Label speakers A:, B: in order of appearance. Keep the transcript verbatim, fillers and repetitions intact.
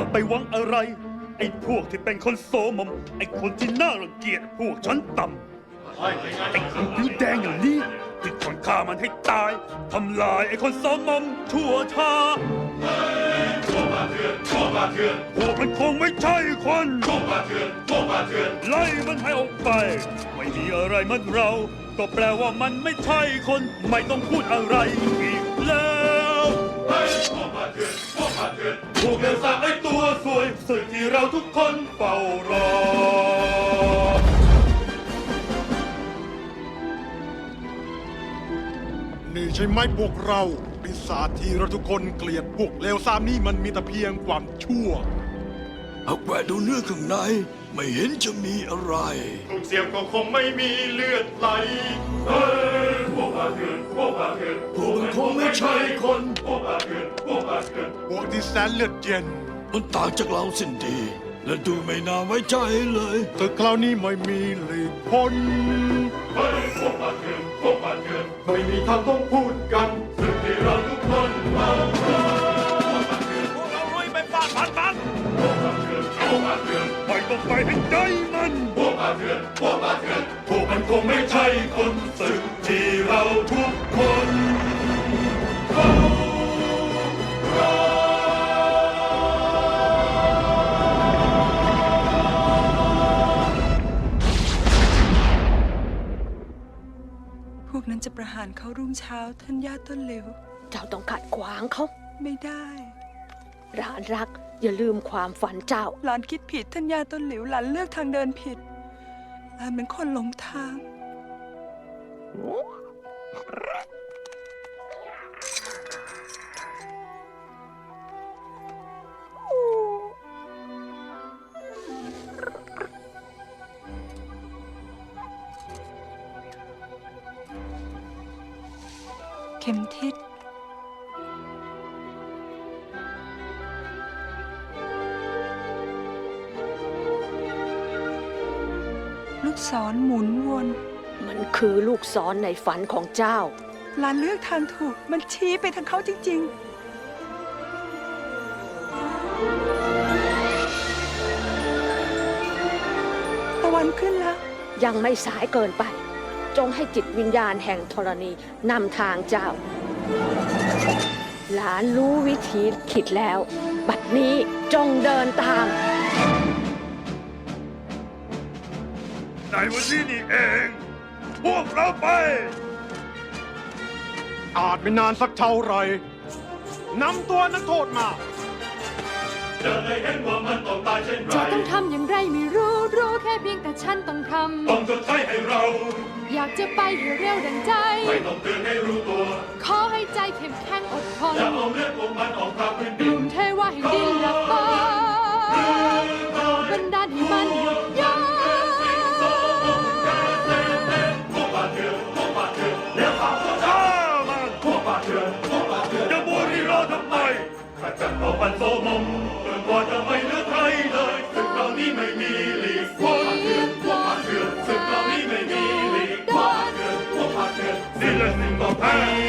A: ไปหวังอะไรไอ้พวกที่เป็นคนโสมมไอ้คนที่น่ารังเกียจพวกชั้นต่ำไอ้คนผิวแดงอย่างนี้ที่คนฆ่ามันให้ตายทำลายไอ้คนโสมมชั่วช้าพวกมันคงไม่ใช่คนไล่มันให้ออกไปไม่มีอะไรมันเราก็แปลว่ามันไม่ใช่คนไม่ต้องพูดอะไรอีกแล้วพวกเลวสามไอ้ตัวสวยสึกที่เราทุกคนเฝ้ารอ
B: นี่ใช่ไหมพวกเราปีศาจที่เราทุกคนเกลียดพวกเลวทรามนี่มันมีแต่เพียงความชั่ว
C: หากแหวะดูเนื้อข้างในไม่เห็นจะมีอะไร
D: ถูกเสียบก็คงไม่มีเลือดไหลเฮ้ยพวกอาเถื่อนพวกอาเถื่อน
C: พวกมันคงไม่ใช่คน
D: พวกอาเถื่อนพวกอาเถื่อน
B: พวกที่แสนเลือดเย็น
C: มันต่างจากเราสิ้นดี และดูไม่น่าไว้ใจเลย
B: ตึกคราวนี้ไม่มีหลีกพ้น
D: เฮ้ยพวกอาเถื่อนพวกอาเถื่อนไม่มีทางต้องพูดกันสึกที่เราทุกคนเฝ้ารอพวกเราลุยไปฟาดพันมันพวกอาเถื่อนพวกอาเถื่อน
A: ไม่ต้องไปให้ใจมัน
D: พวกอาเถื่อนพวกอาเถื่อนพวกมันคงไม่ใช่คนสึกที่เราทุกคนเฝ้ารอ
E: พวกนั้นจะประหารเขารุ่งเช้าท่านย่าต้นเหลว
F: เจ้าต้องขัดขวางเขา
E: ไม่ได้
F: หลานรัก อย่าลืมความฝันเจ้า
E: หลานคิดผิดท่านย่าต้นเหลวหลานเลือกทางเดินผิดหลานเป็นคนหลงทาง เข็มทิศลูกศรหมุนวน
F: มันคือลูกศรในฝันของเจ้า
E: หลานเลือกทางถูกมันชี้ไปทางเขาจริงๆ ตะวันขึ้นแล้ว
F: ยังไม่สายเกินไป จงให้จิตวิญญาณแห่งธรณีนำทางเจ้า หลานรู้วิธีคิดแล้ว บัดนี้จงเดินตาม
A: ในวันนี้นี่เอง พวกเราไป
B: อาจไม่นานสักเท่าไหรนำตัวนักโทษมา
D: จะได้เห็นว่ามันต้องตายเช่นไร
G: จะต้องทำอย่างไรไม่รู้ รู้แค่เพียงแต่ฉันต้องทำ
D: ต้องชดใช้ให้เรา
G: อยากจะไปให้เร็วดังใจ
D: ไม่ต้องเตือนให้รู้ตัว
G: ขอให้ใจเข้มแข็งอดทน
D: อย่าเอาเลือดของมันออกทางพื้น
G: ก
D: ดิน
G: ลุ่มเทวะแห่งดินและฟ้าบันดาลให้มันหยุดยั้ง
D: พวกบาดเถื่อนพวกบาดเถื่อนแล้วข่าวพวก
A: ฆ่ามัน
D: พวกบาดเถื่อนพวกบาดเถื่อน
A: จะบูรีรอทำไม
D: ขจัดเอาปันโซมมจนกว่าจะไม่เหลือใครเลยศึกคราวนี้ไม่มีหลีกพวกบาดเถื่อนพวกบาดเถื่อนศึกคราวนี้ไม่มีหลีกพวกบาดเถื่อนพวกบาดเถื่อนสิ้นและสิ่งต้องแพ้